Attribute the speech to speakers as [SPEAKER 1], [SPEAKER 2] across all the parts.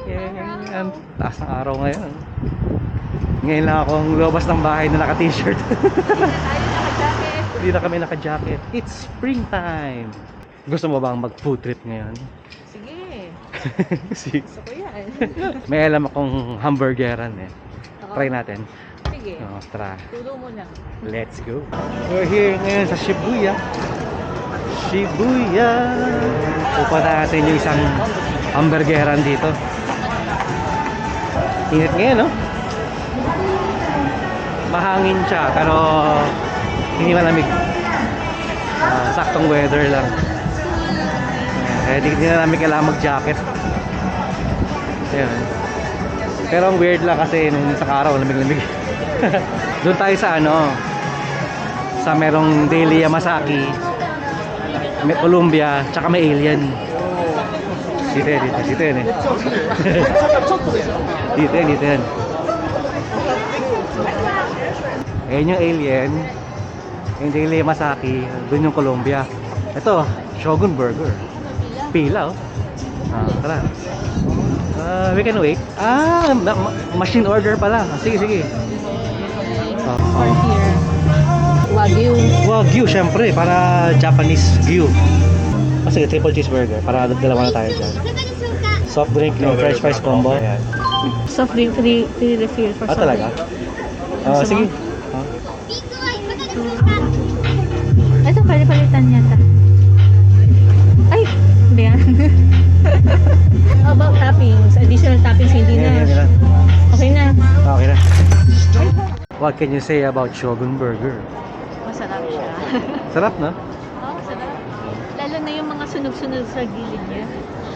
[SPEAKER 1] Yan. Taas ng araw ngayon. Ngayon lang akong lumabas ng bahay na naka-t-shirt. Hindi na kami naka-jacket. It's springtime. Gusto mo bang mag-food trip ngayon?
[SPEAKER 2] Sige. Gusto ko yan.
[SPEAKER 1] May alam akong hamburgeran eh.
[SPEAKER 2] Oo.
[SPEAKER 1] Try natin.
[SPEAKER 2] Sige.
[SPEAKER 1] Tara.
[SPEAKER 2] Tulo mo na.
[SPEAKER 1] Let's go. We're here ngayon sa Shibuya. Shibuya. Pupunta natin yung isang hamburgeran dito. Init ngayon, no? Mahangin siya, pero hindi malamig. Saktong weather lang. Di na namin kailangan mag-jacket. Ayan. Pero ang weird lang kasi nung isang araw, lamig-lamig. Doon tayo sa sa merong Daily Yamasaki, may Columbia, tsaka may Alien. Dito yan eh. Dito yan. Ayan yung Alien, yung Daily Yamasaki, doon yung Columbia. Ito, Shogun Burger. Pila oh. Tara. We can wait. Machine order pala. Sige.
[SPEAKER 2] For here. Wagyu.
[SPEAKER 1] Wagyu, syempre, para Japanese Gyu. Sige, triple cheeseburger, para dalawa na tayo dyan. Soft drink, yung french fries combo. Ayan.
[SPEAKER 2] Soft drink, free refill for soft
[SPEAKER 1] Talaga?
[SPEAKER 2] Gusto
[SPEAKER 1] Sige.
[SPEAKER 2] mo? Ito, palitan yata. Ay! Hindi yan. How about toppings? Additional toppings, hindi na. Okay na.
[SPEAKER 1] Okay na. What can you say about Shogun Burger?
[SPEAKER 2] Masarap siya.
[SPEAKER 1] Sarap, no?
[SPEAKER 2] Oo, masarap. Lalo na yung mga sunog-sunog sa gilid niya.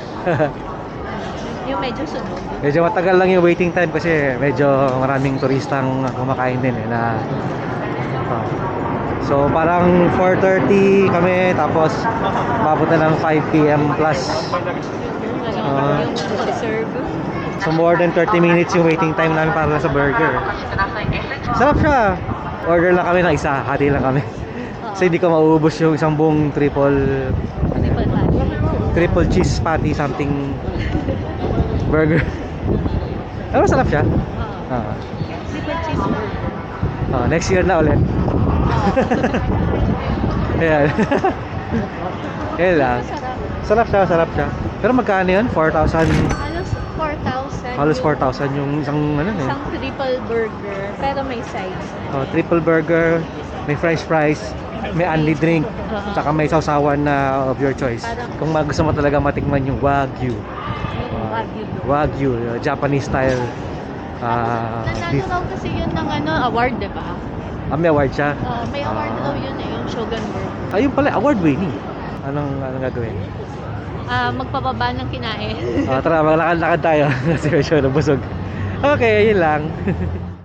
[SPEAKER 2] Yung medyo sunog.
[SPEAKER 1] Medyo matagal lang yung waiting time kasi medyo maraming turistang kumakain din eh na so parang 4:30 kami tapos mabot na ng 5 PM plus.
[SPEAKER 2] Yung pag-serve.
[SPEAKER 1] So more than 30 minutes yung waiting time namin para sa burger. Sarap siya. Order lang kami ng isa, hati lang kami. Kasi hindi ko mauubos yung isang buong triple cheese patty something burger. Pero sarap siya.
[SPEAKER 2] Triple cheeseburger.
[SPEAKER 1] Next year na ulit. Ayan. Ayan lang. Sarap siya. Pero magkano yun? 4,000?
[SPEAKER 2] Halos 4,000.
[SPEAKER 1] Halos 4,000 yung isang
[SPEAKER 2] Isang triple burger, pero may sides.
[SPEAKER 1] Triple burger, may french fries, may only drink, saka may sausawan na of your choice. Kung gusto mo talaga matikman yung Wagyu. Wagyu, Japanese style.
[SPEAKER 2] Nanalo raw kasi yun ng award, di ba?
[SPEAKER 1] May award siya.
[SPEAKER 2] May award daw yun yung Shogun Burger.
[SPEAKER 1] Ayun pala, award winning. Anong gagawin?
[SPEAKER 2] Magpababa ng kinain.
[SPEAKER 1] Tara, maglakad-lakad tayo kasi medyo nabusog. Okay, yun lang.